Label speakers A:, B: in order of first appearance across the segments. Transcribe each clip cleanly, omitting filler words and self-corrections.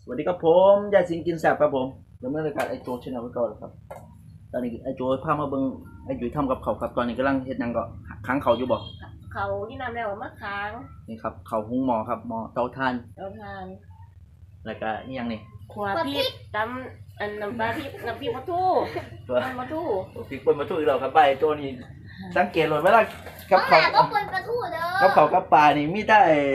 A: สวัสดีครับผมยายสิงกินแซ่บครับผมดำเนินรายการไอโจชแนลไว้ก่อนครับตอนนี้ไอโจพามาเบิ่งไอจุ๋ยทำกับเขาวครับตอนนี้กำลังเฮ็ดหยังก็ค้างเขาวอยู่บ่
B: เขาที่นำแล้วมะขาง
A: นี่ครับเขาวหุงหม้อครับหม้อเตาถ่าน
B: เราทาน
A: แล้วก็นี่ยังนี่
B: ขวาพริกตำอันน้ำปลาพริกน้ำพริกมะทู
A: ตัว
B: มะทู
A: พริกป่นมาทุกอีกแล้วครับใบตัวนี้สังเกตเลยเวลากับ
C: เขา
A: เขาว
C: ก็คนประทูเด้อ
A: กับเขาวกับปลานี่มีแต่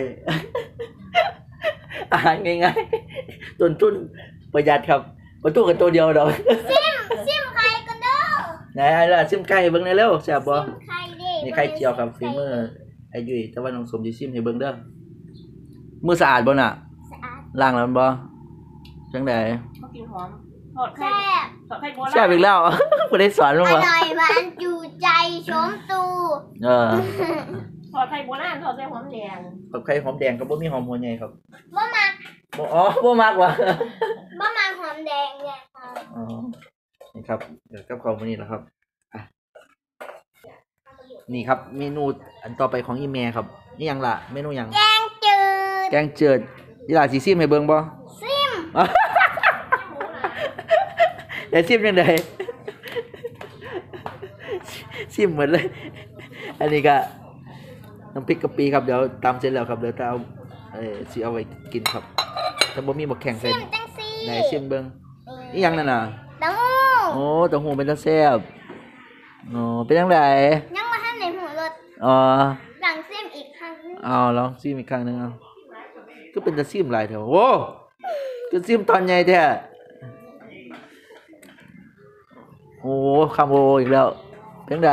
A: อาหารง่ายๆต้นทุนประหยัดครับประตูกันตัวเดียวดอก
C: ซิมไข่กันเด้อ
A: ไหนไอ้ล่ะซิมไก่เบิ่งได้เร็วแซ่บบ่
C: ซิมไข่เด้
A: นี่ไข่เจียวครับฝีมือไอ้ยุ้ยแต่ว่าน้องสมสิชิมให้เบิ่งเด้อมือสะอาดบ่น่ะ
C: สะอาด
A: ล้างแล้วบ่จังได๋
B: เขากินหอมทอดไข่
C: แซ่บ
B: ทอดไข่โบราณ
A: แซ่บอีกแล้ว บ่ได้สอน
C: อ
A: มั้งบ่
C: ร่อยหวานจูใจชมตู
A: เออ
B: ทอดไข่โบราณทอดใส่หอมแดง
A: กับไข่หอมแดงก็บ่มีหอมหัวใหญ่ครับ
C: บ่มัก
A: บ่อ๋อบ่มักว่ะ
C: บ่มักหอมแดงเนี่ยค่ะ
A: อ๋อนี่ครับเดี๋ยวกับข้าวมื้อนี้ล่ะครับอ่ะนี่ครับเมนูอันต่อไปของอีแม่ครับนี่หยังล่ะเมนูหยัง
C: แกงจืด
A: แกงเจิดอีหล่าสิซิมให้เบิ่งบ่
C: ซิม
A: อย่าซิมจังได๋ซิมหมดเลย อันนี้ก็น้ำพริกกะปิครับเดี๋ยวตำเสร็จแล้วครับเดี๋ยวจะเอาสิเอาไว้กินครับถ้าบ่มีบักแข้งใส่
C: ซิมจังซี่
A: ไหนซิมเบิ่งอีหยังนั่นน่ะ
C: เต้าหู้
A: โอ้เต้าหู้เป็นตาแซ่บโอ้เป็นจังได
C: ยังบ่ทันได้หูรส
A: อ๋อ
C: สั่งซิมอีกครั้งนึง
A: เอาลองซิมอีกครั้งหนึงเอาก็เป็นตาซิมหลายแถวโอ้ก็ซิมตอนใหญ่แท้โอ้คำโออีกแล้วเป็นจังได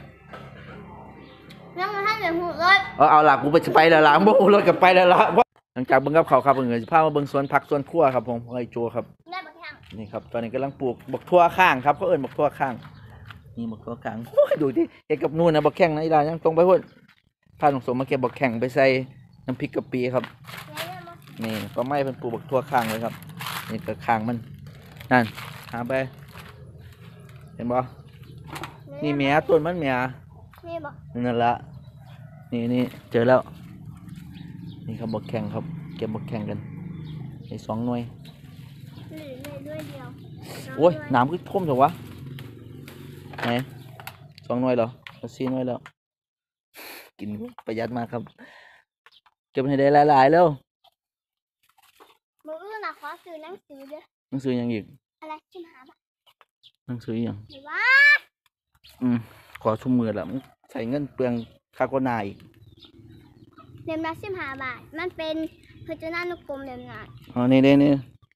C: ยังบ่ทันได้หูรส
A: เอาล่ะกูไปแล้วล่ะบ่ฮู้รถก็ไปแล้วล่ะหลังจากเบิ่งกับเขาวครับเพิ่นก็สิพามาเบิ่งสวนผักสวนครัวครับผมของไอ้โจครับ
C: ได้บ่ทัง
A: นี่ครับตอนนี้กำลังปลูกบักทั่วข้างครับเขาเอิ้นบักทั่วข้างนี่บักทั่วข้างโอ้ยดูดิเฮ็ดกับนู่นนะบักแข้งนะอีหลายังตรงไปพุ่นพาน้องสมมาเก็บบักแข้งไปใส่น้ำพริกกะปิครับนี่ป้าไม้เพิ่นปลูกบักทั่วข้างเลยครับนี่ก็ข้างมันนั่นหาไปเห็นบ่นี่แหมต้นมันแหม
C: นี่บ่
A: นั่นละนี่เจอแล้วนี่ครับบักแข้งครับเก็บบักแข้งกันไอ้2 หน่วย
C: หรือเลยด้วยเดียว
A: โอ้ยน้ำก็ท่วมเถอะวะไหน2 หน่วยเหรอ4 หน่วยแล้วกินประหยัดมากครับเก็บให้ได้หลายๆแล้ว
C: มื้ออื่นน่ะขอซื้อหนังสือเด้อ
A: หนังสือหยังอีก
C: อะไรชิมหาบ่
A: หนังสือหยัง
C: หรือว่า
A: ขอชุ่มมือละมึงใส่เงินเปลืองค่าโฆษณาอีก
C: เล่มละ15 บาท มันเป็นพจนานุกรมเล่มนั้น
A: อ๋อนี่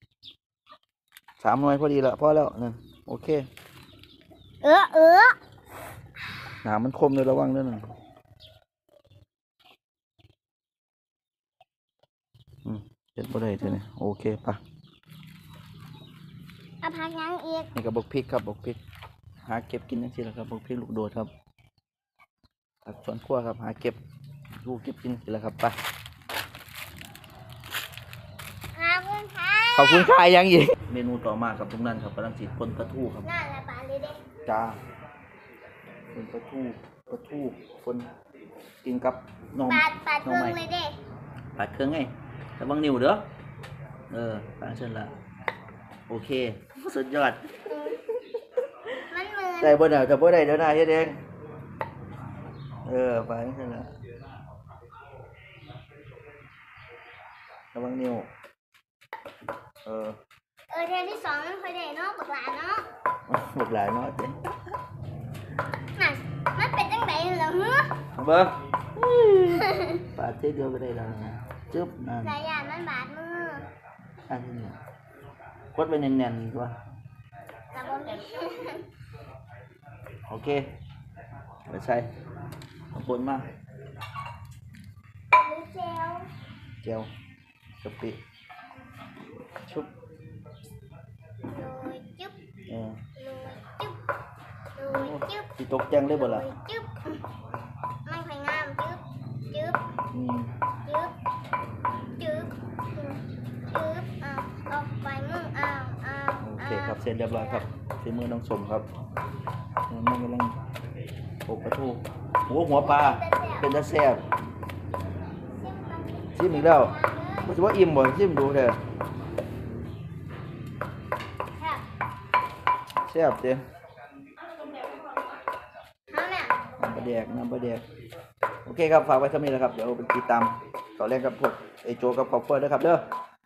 A: 3 หน่วยพอดีละพอแล้วนั่นโอเคน้ำมันคมเลยระวังด้วยนะเจ็ดบ่ได้เท่านี้โอเคปะ
C: เอาพักยังอีก
A: นี่กับบกพริกครับบกพริกหาเก็บกินนั่นสิละครับบกพริกลูกโดดครับผักสวนครัวครับหาเก็บลูกเก็บกินสิละครับไป
C: ขอบคุณค่ะ
A: ขอบคุณค่ะยังอีกเมนูต่อมาครับทุกท่านครับกำลังจีปนปลาทูครับ
C: น่าละปลาเลยเด้
A: จ้าปนปลาทูคนกินกับนม
C: ปลาเครื่องเลยเด้
A: ปาดเครื่องไงแต่บางนิ้วเด้อปาดเช่นละโอเคสุดยอด
C: มันเหมือน
A: ได้บ่ได้แต่บ่ได้เดี๋ยวหน้าเฮ็ดเองปาดเช่นละระวังนิ้ว
C: เทนที่2มันเคยได้เนาะบักหลาเนาะ
A: บักหลายเนาะเด้
C: น่ะมันเป็นจังไดเหรอฮึ
A: เบิ่งปาดเท่เดียวก็ได้แล้วนะจึ๊บนั่น
C: สายยานมันบาดมือ
A: อันนี้กดไว้แน่นๆตัว
C: กับบ่มี
A: โอเคไปใส่เอาปนมา
C: หรือเจล
A: เจียวกะปิชุบ
C: โรยจึ๊บ
A: เออ
C: โรยจึ๊บ
A: สิตกแจงได้บ่ล่ะ
C: โรยจึ๊บมันค่อยงามจึ๊บจึ๊บ
A: อืม
C: จึ๊บจึ๊บจึ๊บออกไปมึง
A: โอเคครับเสร็จเรียบร้อยครับฝีมือน้องสมครับน้องกำลังโปกปลาทูหัวปลาเป็นตาแซ่บชิมอีกแล้วบ่สิว่าอิ่มบ่ชิมดูเด้อแซ่บเด้
C: เอาเนี่ย
A: น้ำปลาแดกน้ำปลาแดกโอเคครับฝากไว้เท่านี้แหละครับเดี๋ยวไปติดตามต่อแรกกับพวกไอโจกับครอบครัวด้วยครับเด้อ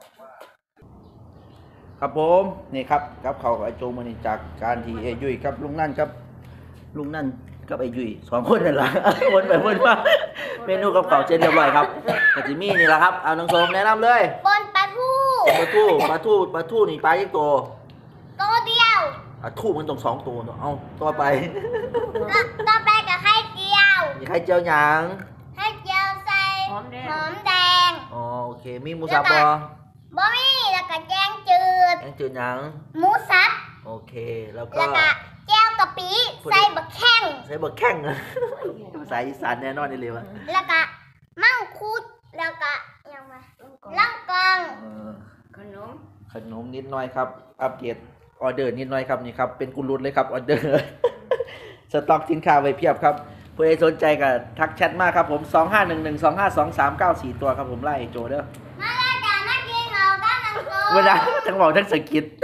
A: ครับผมนี่ครับกับเขาวกับไอโจมานี่จากการที่ไอยุ้ยกับลุงนั่นกับลุงนั่นกับไอยุ้ยสองคนนั่นแหละ วนไปวนมาเมนูกับเขาวเช่นเรียบร้อยครับกะจิมี่นี่แหละครับเอาน้องโสมแนะนำเลย
C: บนปลาทู
A: ปลาทูนี่ปลายี่ตัว
C: ตัวเดียว
A: ปลาทูมันต้อง2 ตัวเนาะเอาต่อไป
C: ต่อไปกับไข่เจียว
A: มีไข่เจียวหยาง
C: ไข่เจียวใส่
B: หอมแดง
C: หอมแดง
A: อ๋อโอเคมีหมูสับบ่
C: บะหมี่แล้วก็แกงจืด
A: แกงจืดหยาง
C: หมูสับ
A: โอเคแล้วก็
C: แล้วก็แก้วกะปิใส่บะแข้ง
A: ใช้บะแข้ง ภาษาอีสานแน่นอนนี่เลยวะ
C: แล้วก็มั่งคุดแล้วก็ยังไงล่องกอง
A: เออ
B: ขนม
A: ขนมนิดหน่อยครับ อัปเดตออเดอร์นิดหน่อยครับนี่ครับเป็นกุลุดเลยครับออเดอร์ สต็อกสินค้าไว้เพียบครับผู้ใดสนใจก็ทักแชทมาครับผม 2511252394 ตัวครับผมไล่โจเด้อ
C: มาแล้วจ้ามากินเราด้านหลังโต๊ะ
A: เวลาทั้งบอกทั้งสกิด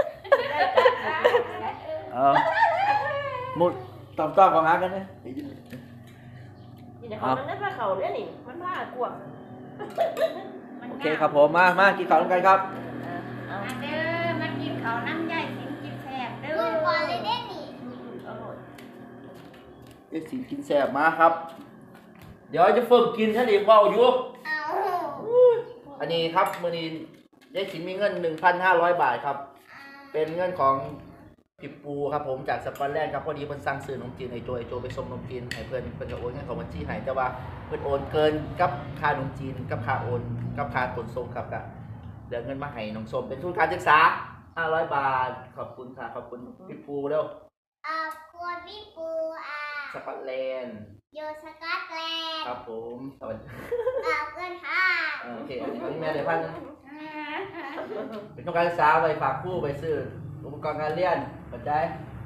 A: เอามุดตอบของอากันนะ
B: นี่นะเขามันได้ผ้าเขาเนี่ยนี่มันผ้ากวาง
A: โอเคครับผมมากินข้าวกันครับ
B: เอา
D: มาเด้อมากินข้าวน้ำใหญ่กินกินแซ่บเด้อ
C: เมื่อก่อนเลยเด้นี่
B: อร่อย
A: เด็กสิกินแซ่บมาครับ เดี๋ยวจะฝึกกินถ้าดีเบาอยู่
C: เอา
A: อันนี้ครับมื้อนี้ยายสินมีเงิน 1,500 บาทครับ เป็นเงินของพี่ปูครับผมจากสปอนแลนด์ครับพอดีเพิ่นสั่งซื้อนมจีนไอโจไปส่งนมจีนให้เพิ่นจะโอนเงินของบัญชีให้แต่ว่าเพิ่นโอนเกินกับค่านมจีนกับค่าโอนกับค่าขนส่งครับก็เหลือเงินมาให้น้องส้มเป็นทุนการศึกษา500 บาทขอบคุณค่ะขอบคุณพี่ปูเร็ว
C: เอาควรพี่ปู
A: สปอนแลนด์
C: อยู่สกอตแลนด์
A: ครับผมสวัสดี
C: เอาเงินค่ะ
A: โอเคอันนี้แม่เดี๋ยวพันเป็นทุนการศึกษาไปฝากผู้ไปซื้ออุปกรณ์การเรียนเข้าใจ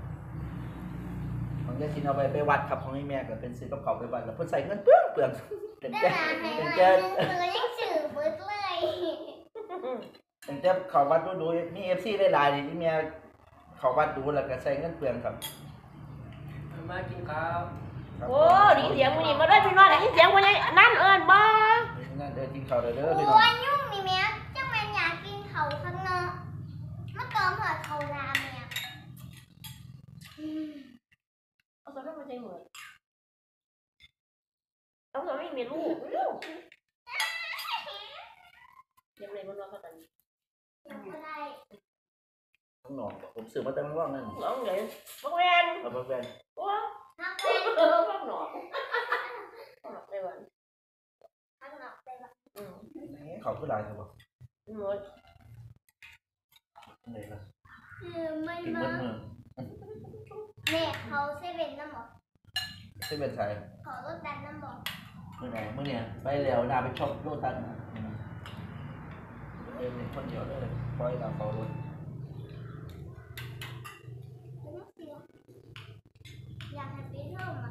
A: ของยายสินเอาไปวัดครับของนี่แม่ก็เป็นซื้อกับเขาวไปวัดแล้วเพิ่นใส่เงินเปลืองเป็น
C: ได้
A: แจ้
C: มาให้
A: เป็น
C: มา
A: แจ้
C: หนึ่งคือยังสื่อเบิดเลย
A: เป็นแจ้เขาวัดดูมีเอฟซีได้หลายนี่ที่แม่เขาวัดดูแล้วก็ใส่เงินเปลืองครับ
E: มากินข้าว
A: ครับ
B: โอ้ดีเสียงมันนี่มาได้พี่น้อยไหนเสียงมันนี่นั่นเอิญบ่
A: นั่นเดินกินข้าวเด้อ
C: โอ้
A: พี่น้อง
C: ยยุ่งนี่แม่จังแม่นอยากกินเขาข้างนอกมาเติมหัวเขารามเนี่ย
B: เอาตัวนั้นมาใช้เหมือนเอาตัวไม่มีลูกยังไงมันรอเขาตัน
C: ยังไม่ได้
A: ข้างนอกผมซื้อมาแต่ข้างนอกนั่น
B: น้องใหญ่บักแวน
A: เอาไปแฟน
B: ว้า
C: นัก
B: เอ
C: เล่น
B: อบักหนอกบักหนอกในวัน
C: ข้างนอกไปแบบ
A: เขาคือหลายครับบ่
B: หมด
A: ไหนล่ะ
C: ไม่
A: กิน
C: มา
A: เมื่อ
C: แม่เขาเซเว่นน้ำหมอก
A: ที่เป็นสาย
C: ขอรถดันน้ำหมอก
A: เมื่อไหร่เมื่อเนี่ยไปแล้วนาไปช็อปโลตัสเดินคนเดียวเลยปล่อยเราเขารถ
C: อยากให้ปีเท่ามา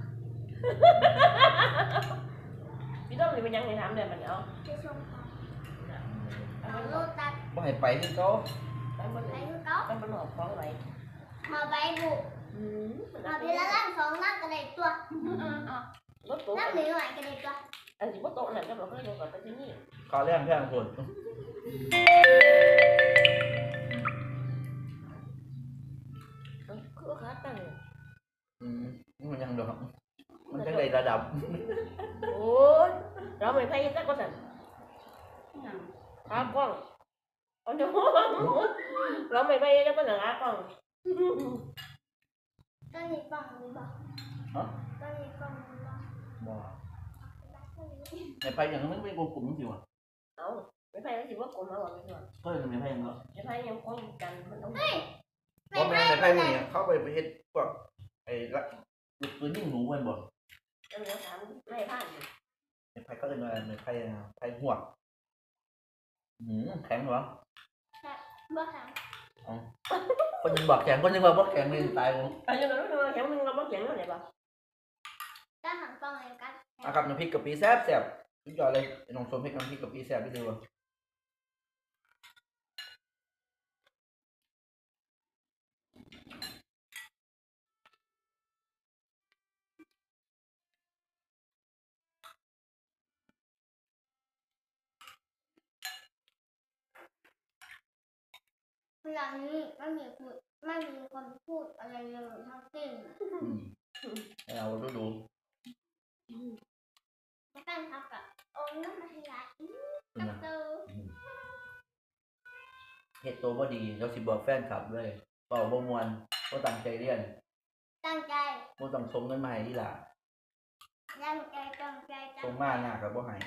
B: พี่ต้องมีเป็นยังไงถามเดี๋ยวมันเอา
C: จะชมเขาขอรถดัน
A: บ่ให้ไปที่เขา
B: ไปบน
C: ไป
B: ไหน
C: คือเขา
B: ไปบนหนอกฟ้องไหน
C: มาใบบุก มาปีละล้านสองล้านกระเด็ดตัว
B: รถตู้
C: ล้านหนึ่งหน่อยกระเด็ดตัว
B: อันนี้ว่าโต๊ะนั่นก็บอกให้ดูก่อนไปที่นี่
A: ขอแรงแพงคน
B: คือขาตั้ง
A: มันยังดอกมันจังไดระดับ
B: โอ้ยเราไม่พายสักก็สั่นขากล้องเอาเดี๋ยวเราไม่พายสักก็สั่นขากล้อง
C: ต้นนี้ฟังหรือเปล่า
A: ฮะ
C: ต้นนี้ฟังหรือเปล่า
A: บ่ในไปอย่างนั้นมันเป็นกลุ่มสิวะ
B: เอาไม่พายแล้วสิว่ากลมมาหรอไม่ใช่
A: เฮ้ยมันไม่ไปยังเนาะ
B: ไม่พายยังคงกันมันต้อง
A: เพราะแม่ในไปพวกนี้เข้าไปเฮ็ดพวกไอ้ละลูกปืนยิงหนูมันบ่
B: เดี๋ยวถามไม่ผ่าน
A: ในไปก็เลยมาในไปหัวแข็งเหรอ
C: บ่ถาม
A: คนยังบอกแข็งคนยังบอกบ่แข็งเลยตายผม
B: อันนี้เราแข็งมึงเราไม่แข็งอะไรบ้าง
C: ก็หันฟังเลยกัน
A: นะครับน้ำพริกกะปิแซ่บสุดยอดเลยน้องชมให้น้ำพริกกะปิแซ่บที่สุด
C: หลังนี้ไม่มีคนพูดอะไรเลยทั้งสิ้น
A: ให้เราดู
C: แฟนครับกับโอ้น้ำมันไหล
A: เป็นไง
C: เจอ
A: เฮ็ดโตวบ่ดีเราสิบอกแฟนคลับเลยเป่าบ่ม่วนบ่ตั้งใจเรียน
C: ตั้งใจ
A: บ่ต้องส่งเงินมาให้อีหล่า
C: ตั้งใจตั้งใจตั้
A: ส่
C: ง
A: ง
C: ใจ
A: มาหน้าก็บ่ให้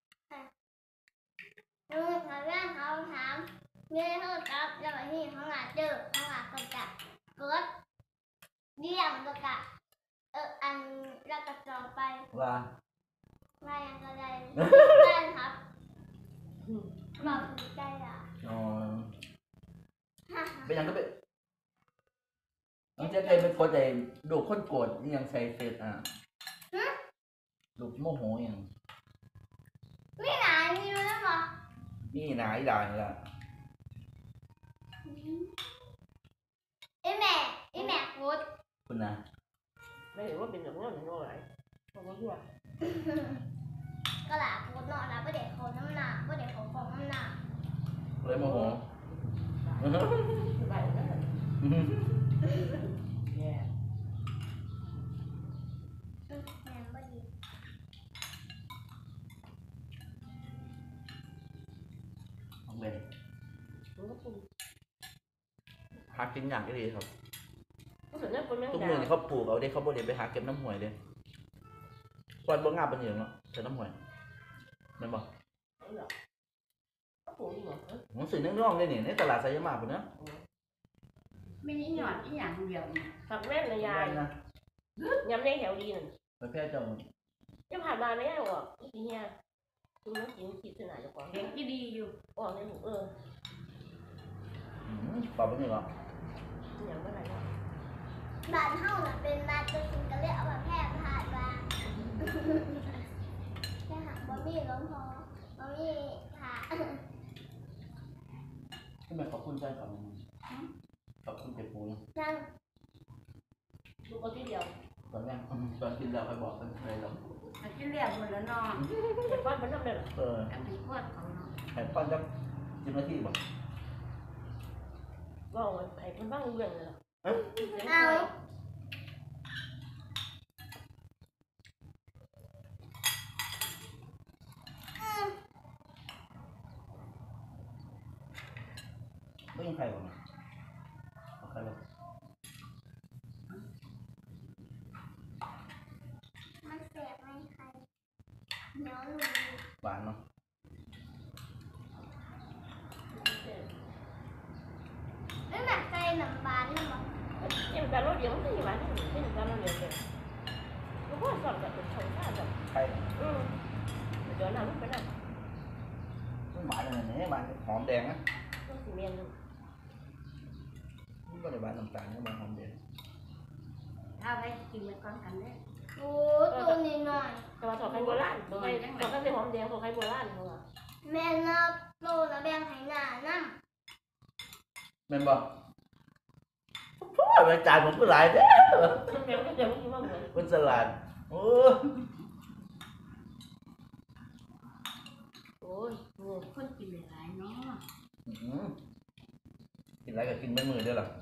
C: ลูกเขาเรื่องเขาถามเรื่องโทษครับแล้ววันนี้เขาหาเจอเขาหาคนจะกดเยี่ยมแล้วก็อันแล้วก็จองไป
A: ว่า
C: ว่ายังก็ได้แฟนครับบอกถูกใจอ่ะ
A: อ๋อเป็นหยังก็เป็นน้องเจ๊เคยเป็นคนใดดูคนโกรธอีหยังใส่เฟซดูโมโหอีหยัง
C: ไม่หนามีรู้แล้วบอก
A: นี่หนาอีหล่านี่ล่ะ
C: ไอ้แม่พูด
A: คุณนะ
B: ไม่เห็นว่าเป็นแบบนั้นหรืออะไรเพราะว่าทั่ว
C: ก็หลาพูดเนาะแล้วประเด็กเขาน้ำหนักประเด็กเขาของน้ำหนัก
A: เลยโมโห
B: ไปนั่นแหละแย่
C: แม่บ่ดี
A: ของเบน
B: มันก็ปุ่ม
A: หากินอย่างก็ดีครับ
B: ก็เหมือนนั่นคนแม่ง
A: ทุก
B: ด่า
A: มือนี่เขาปลูกเอาเด้เขาบ่ได้ไปหาเก็บน้ำห้วยเด้ควันบ่งามปานนี้เนาะใส่น้ำห้วยแม่นบ่
B: ก็ปุ่มหมด
A: ผมซื้อน้องๆเลยนี่ในตลาดไซยามากพุ่นนะ
D: ไม่ได้หยอดอีหยังเดียวนี่
B: ผักแม่นเลยยาย
A: นะ
B: ยำในแถวดีนั่น
A: ไปแพร่เจ้า
B: จะผ่านมาไม่ได้หรอกอีเหี้ยคุณต้องกินคิดขนาดจะกว่า
D: เด็กที่ดีอยู่
B: ออกในหู
A: ปรับบ่นี่บ่
B: อย่างเมื่อไหร่
C: บ้านเฮาน่ะเป็นบ้านตัวจริงก็เลยเอามาแพร่ผ่านมาแค่หักบ่มีล้มพอบ่มีผ่า
A: ทำไมขอบคุณใจก่อนขอบคุณเจ็บปูนะ
C: นั่ง
B: ลูกก็ที่เดียว
A: ตอนแรกตอนกินแล้วค่อยบอกกันเลยแล้ว
D: อากินเรียบหมดแล้วเนาะ
B: เด็กก้อนมันทำได้หรอ
D: อันนี้พวดเขาเนาะ
A: ให้ป้อนจัก10 นาทีบ่
B: ว่าไอ้คนบ้างเรื่องเลยหรอ
C: เอา
A: บ่ยังใครบ่นะเอาใครบ่
C: มันเสียบไหมใครเดี๋ยวหนู
A: หวานเนาะ
C: ไม่หนักใจหนังบานนะมั้ง
B: em ta nói điều gì mà cái người ta nói điều gì nó có giọt giọt được sống ra rồi
A: ใคร
B: giờ nào lúc cái nào
A: มันหวานอะไรเนี่ยหวานหอมแดงนะ
B: nó thì men luôn
A: มันบ่ได้หวานน้ำตาลนะหวานหอมแดง
D: ถ้าไปกินไปก่อนกันเด้อ
C: โอ้ตัวนี้หน่อย
B: แต่ว่าถอดไข่โบราณถอดไข่หอมแดงถอดไข่โบราณเขาอะ
C: แม่นับโตนะแบ่งให้หน้านั่ง
A: แม่นบ่โอ้ยมันจานผมก็หลายแท้
B: มันแดงก็เดี๋ยวมันกินว่าเหมือน
A: มันสลัดโอ้
B: โอ้ย
D: คนกินหลายๆเนาะ
A: กินอะไรก็กินไม่มือเด้อล่ะ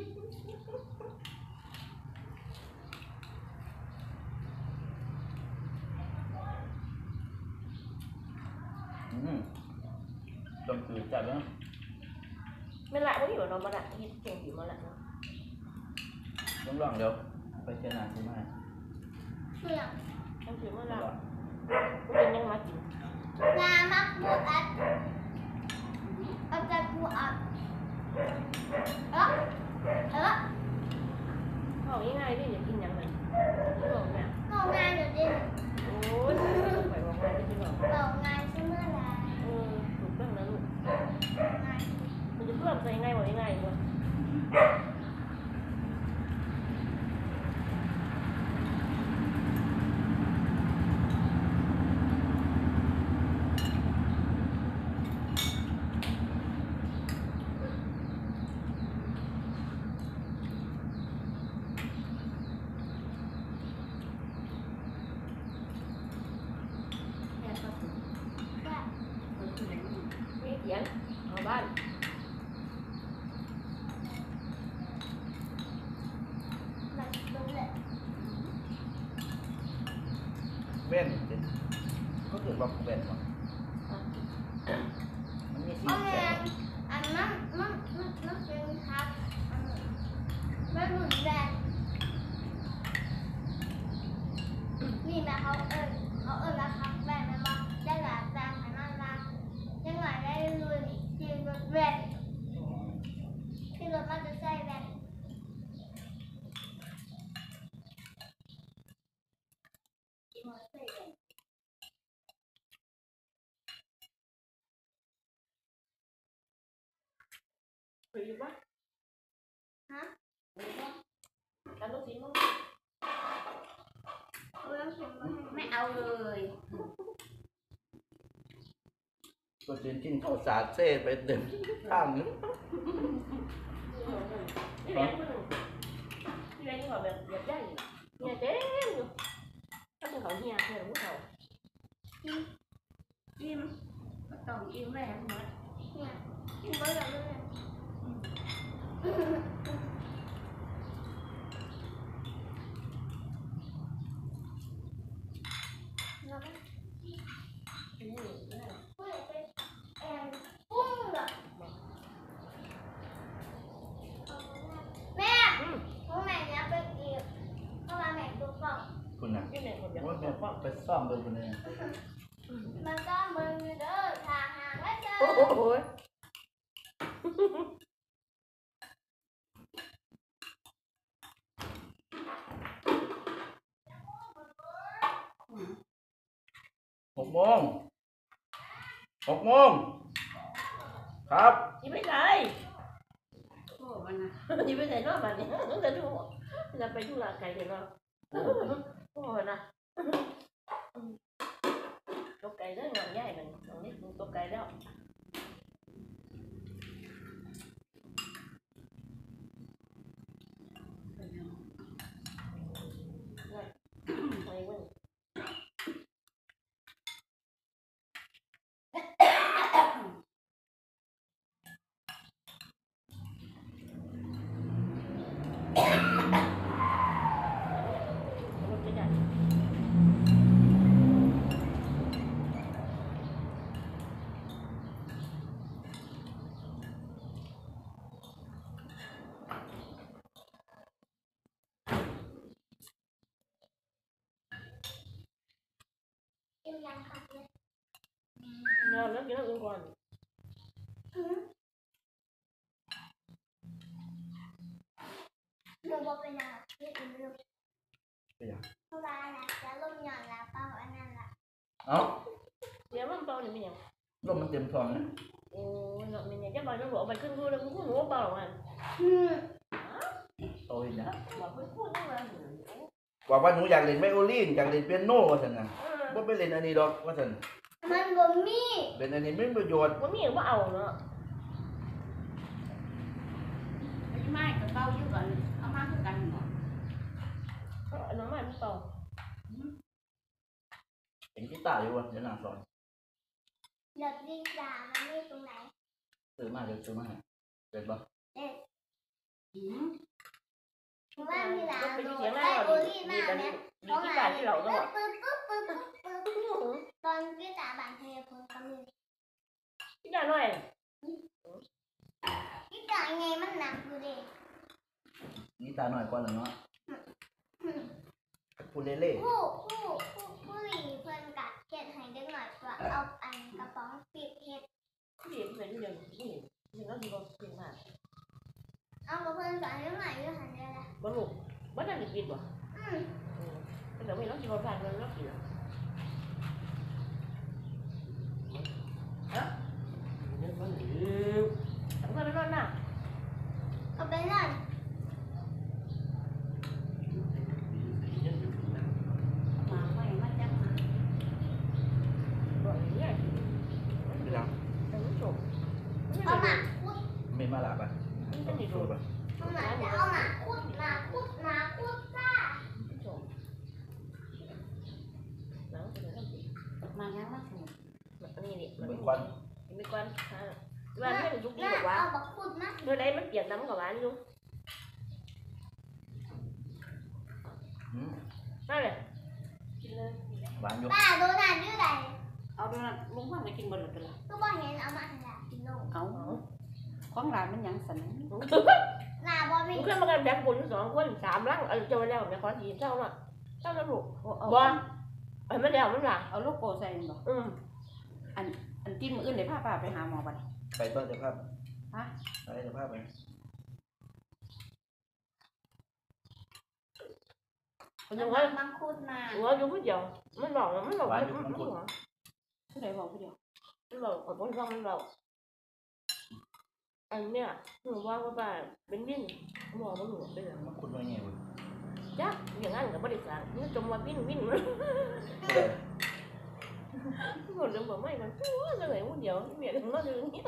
A: ต้องคือจัดนะ
B: ไม่ละไม่อยู่เรามาละที่เก่งอยู่มาละเนาะ
A: ต้องลองเดี๋ยวไปเจอหน้าใช่ไหม
C: เสี่ยง
B: ต้องถือมาละเป็นยังมากิน
C: งามักบูอัดเอาใจบูอัด
B: บอกง่ายๆดิอย่ากินอย่างนั้นบอกเนี่ย
C: ก็งานเดี๋ยวดิ
B: โอ้ยไปบอกง่ายที่บอก
C: บอกงานใช่เมื่อไร
B: ถูกต้องนะลูก
C: งาน
B: มันจะเพื่อนใส่ง่ายบอกง่ายๆด้วย
D: แค่ก็ถึง
C: แบบ
D: คนกิน
B: มีเสียงเอาบ้าน
A: บอกแบนมั้งมันมีสี
C: เอา
A: แส
C: แม่
A: ง
C: อันมันเป็นครับมันหมุนแบนนี่นะเขาแล้วครับแบนมันว่าได้หลายแบนขนาดนั้นยังไงได้ลุยที่รถแบนที่รถมันจะใส่แบน
B: ไปอยู่ปะ
C: ฮะ
B: ไปอยู่ปะการต้องกินมั้ง
C: เอาแล้วเขียนมาให้
D: ไม่เอาเลย
A: ก็จะกินข้าวสาดเซ่ไปเต็มข้างนึง
B: นี่แหละนี่แหละที่เขาแบบใหญ่เนี่ยเจ๊อยู่ถ้าเป็นเขาเฮียเนี่ยผู้เขา
D: อิ่มก็ต้องอิ่มแม่หมด
C: เนี่ยกินเบอร์เลย แล้วก็พูดไปปุ้งแบบแม่ของแม่เนี่ยไปอีกเพราะว่าแม่ดูกล่อง
A: คุณน่ะ
B: ที่ไหนคนเดียว
A: ว่าแม่ไปซ่อมเบอร์คนนี้
C: มันก็มึงเด้อทางหางไว้เจอ
B: โอ้โห
A: 6 โมงครับ
B: ยี่ไม่ได้
D: โอ้มันนะ
B: ยี่ไม่ได้นอกบ้านเนี่ยจะดูจะไปดูลาไก่เดี๋ยวเราโอ้นะตัวไก่ได้งานใหญ่มันตรงนี้ตัวไก่แล้วไปวันรถจะใหญ่
C: กินยังค่ะเนี่ย
B: นอนแล้วกินแล้วกินก่อน
C: หนูบอกเป็นยังที่อื่นลูก
A: เป็นยัง
C: เพราะว่านะจะลงหย่อนแล้วเป้าอันนั้นละ
A: เอ้า
B: เดี๋ยวมันเบาหรือไม่ยัง
A: ลมมันเต็มท้องนะ
B: โอ้ยเนาะมันยังจะบอกน้องหลวงไปขึ้นพูดแล้วกูหนูเบามัน
A: โอ้ยนะ
B: บอกไม่พูดนี่มา
A: บอกว่าหนูอยากเล่นไวโอลินอยากเล่นเปียโนว่าซั่นน่ะบ่ไปเล่นอันนี้ดอกว่าซั่น
C: มันบ่มี
A: เล่นอันนี้ไม่มีประโยชน์
B: ว่ามีว่าเอาเนาะ
D: ไม่ก็เบาอยู่ก่อนเอามาคือกันหมด
B: น้องมันเบา
A: เห็นกีตาร์อยู่ว่ะเดี๋ยวหน้าสอน
C: เด็กดีจ้ามันไม่ตรงไหน
A: ซื้อมาเดี๋ยวซื้อมาให้เกิดบ่
C: เพราะว่ามีหลาน
B: เป็น
C: โด
B: เสียง
C: น
B: แม่
C: ไล่
B: เรา
C: โอ
B: ดี
C: ลี่
B: ดี
C: มา
B: กัน
C: เนี่
B: ดี
C: ย
B: ที่การที่เราต้อง
C: ปึ๊บตอนกีตาร์บานเทพงก็มี
B: ที่ได้หน่อย
C: กีตาร์ไงมันหนักอยู่ดิ
A: กีตาร์หน่อยก่อนแล้วเนาะพูดเล่
C: ผู้หญิงเพิ่นกัดเฮ็ดให้เด็กหน่อยว่าเอาอันกระป๋องปิดเฮ็ด
B: ที่เป็นที่เดียวที่ยังก็ดีกว่าเพียงมาก
C: เอากับเพิ่นสอนเด็กหน่อยอยู่หันเดียวละ
B: บรรลุบ้านนั่นดีกว่าแต่ไม่ต้องกินผ่านเลยต้องกินฮะมันหิวทำไมไม่นอนน่ะ
C: เอาไปนั่น
D: มาไม่มาจังมา
B: บอกอย่างนี้
A: ๆเป็นยัง
B: แต่ไม่จบ
C: เอาหมาคุด
A: ไม่มาหลับอ่ะ
B: มันเป็นอีก
A: ดู
B: รูป
A: ป่ะ
C: เอาหมาจะเอาหมาคุดซ่า
B: จบแล้วเป็นอะไร
D: มายังมาถูก
B: อันนี้นี่มัน
A: เป็นควัน
B: มีควันวันไม่เป็นทุกที
C: น่า
B: บอกว่า
C: เอาบักคุดนะ
B: เมื่อใดมันเปลี่ยนน้ำกับหวานอยู่
A: อืม
B: นั่นแหละกินเลย
A: หวานอยู่
C: ป้าโดนานอยู่ไหน
D: เอาเอาดูนะลุงพันธุ์จะกินบนหรือเปล่า
C: ก็บอกเห็นเอามาให้หลานกินนม
D: เอาของร้านมันยังสัน
C: หลานบอกไม่
B: มึงขึ้นมากันแบบคน2 คน3 ลังเจอแล้วเนี่ยขอทีเท่าน่ะเท่าแล้วลูก
D: เอา
B: บ่ไม่แล้วมันล่ะ
D: เอาโลโก้ใส่บ่อันที่มืออื่นเดี๋ยวพาป้าไปหาหมอบัด
A: ไปต้นจะภาพ
D: ฮะ
A: ไปจะภาพไป
B: มันยังว่า
C: มังคุดมา
B: หัวอยู่ผู้เดียวมันบอกมันบอกมันบอก
D: ผู้ใดบอกผู้เดียว
B: มันบอกกับคนฟังมันบอกอันเนี้ยหนูว่าว่าเป็นวิ่งบอกว่าหนูเป็นอะไร
A: มันคุณว่าไงวะ
B: จ้ะอย่างนั้นกับบริษัทมันจมว่าวิ่งมันหมดเรื่องบอกไม่มันตัวจะไหนผู้เดียวเมียถึงมาถึงนี้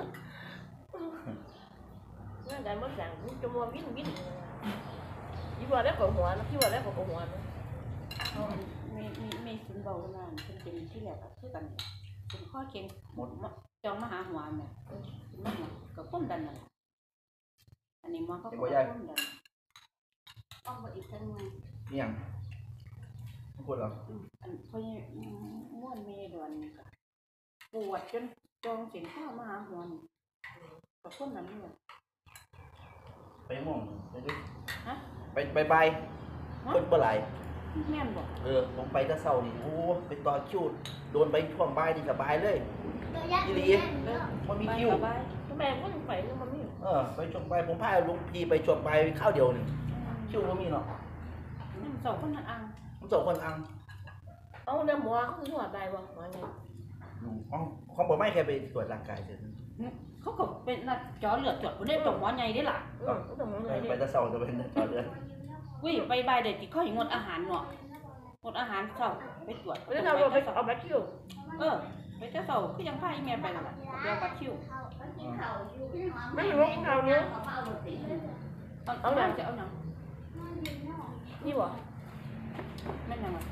B: งานการบริษัทมันจมว่าวิ่งยี่ว่าแล้วก็หัวนะที่ว่าแล้วก็หัวนะ
D: เอามีศูนย์เบาขนาดเป็นที่แหลกคือกันเป็นข้อเค็ง
A: หมด
D: จองมาหาหัวเนี่ยมันก็ก้มดันนั่นอันนี้มันก็ก้มดันเอาไปอีกทั้งนึง
A: นี่ยังไม่คุณหรอ
D: อันเขาม้วนมีดวนปวดจนจองสินข้าวมาหาหัวนี่กับคนนั้นเลย
A: ไปม่วงไปด้วย
D: ฮะ
A: ไปคนเปล่า
D: แม่นบอก
A: ผมไปแต่เช้านี่โอ้ไปต่อคิวโดนไปช่วงบ่ายนี่สบายเลย
C: ตัวยักษ์เนี่ย
A: มันมีคิว
D: ไป
B: ทำไมก็ถึงไปแล้วมันไม่
A: ไปช่วงบ่ายผมพาลุงพีไปช่วงบ่ายข้าวเดียวนึงคิวก็มีเนาะ
D: นั่นสองคนนั่นอัง
A: ผมส่งคนอัง
B: เอาเนื้อหมูเขาคือหัวใจบ่หัวไง
A: ของผมไม่แค่ไปตรวจร่างกายเฉย
D: เขาก็เป็นนัดจอเลือดจดคนนี้ตรงหมอใหญ่ได้ล่ะ
B: ต้องมอง
A: ไป
B: เลย
A: ไปแต่เช้าจะเป็นต่อเดือน
D: วิ่งไปบายเด็กที่เขาอย่างงดอาหารเนาะงดอาหารเช้าไปตรวจ
B: แล้วเราไปเอาแบคคิว
D: ไปเจ้าเช้าก็ยังพาอีเมียไปนั่นแหละเดี๋ยวบัดคิว
B: ไม่รู้เขาเนี้ย
D: เอาหนังจะเอาหนัง
B: นี่บ่
D: แม่นยังไง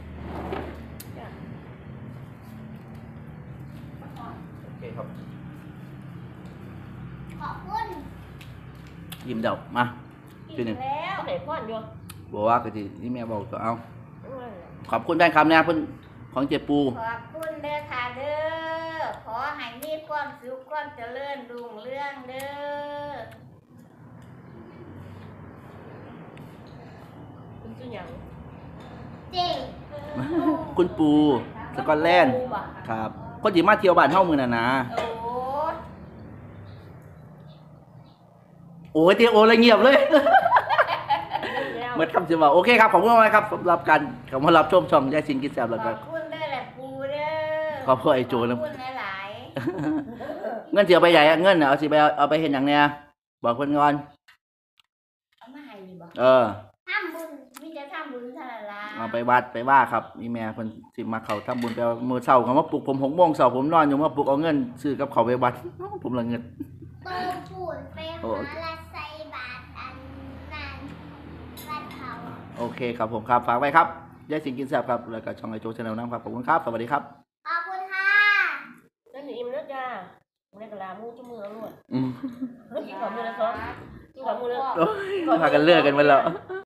A: โอเคครับ
C: ขอบคุณ
A: ยิ้มเดามาทีหนึ่ง
C: แล้ว
B: ก็ไหนพ่อนอยู่
A: บอกว่าก็ทีนี่แม่บอกก็เอาขอบคุณแฟนคลับนะเพื่อนของเจปู
C: ขอบคุณเด้อค่ะเด้อขอให้มีความสุขความเจริญรุ่งเรืองเด้อ
B: คุณชื่อหยัง
C: เจ๋ง
A: คุณปูสกอตแลนด์ครับคนที่มาเที่ยวบ้านเฮ้ามือน่ะนะ
C: โอ้
A: โอ้ยเตียโอเลยเงียบเลยเหมือนคำจะบอกโอเคครับขอบคุณมากครับสำหรับการเข้ามารับชมช่องยายสิงกินแซ่บแล้ว
C: ข
A: ก็
C: อบคุณเด้อแหละปูเด้อ
A: ขอบคุณไอ้โจ
C: ข
A: นะ
C: อบคุณหลาย
A: เงินเสียไปใหญ่อะเงินน่ะเอาสิไปเอาไปเห็นอย่างเนี้ยบอกเพื่อนก่อน
C: ๆเอามาให้ดีบ่
A: เออ
C: ทำบุญมีแต่ทำบุญเท่านั้นล่ะ
A: เอาไปวัดไปว่าครับมีแม่คนสิมาเขาทำบุญไปเอามือเช้าเขามาปลุกผม6 โมงเช้าผมนอนอยู่มาปลุกเอาเงินซื้อกับเขาวไปวัด ผมละเงิน
C: โตปูนไปหาละไซบาทอันนั้นวัดเขา
A: โอเคครับผมครับฝากไว้ครับยายสิงกินแซ่บครับแล้วก็ช่องไอโจชาแนลนะครับขอบคุณครับสวัสดีครับ
C: ขอบคุณค่ะ
B: นั่นนี่อิ่มแล้วจ้าในกะลามูจุมือล้วน
A: อืม
B: กินของมือละ2กินของมือละ
A: โอ้ยพากันเลิกกันไปแล้ว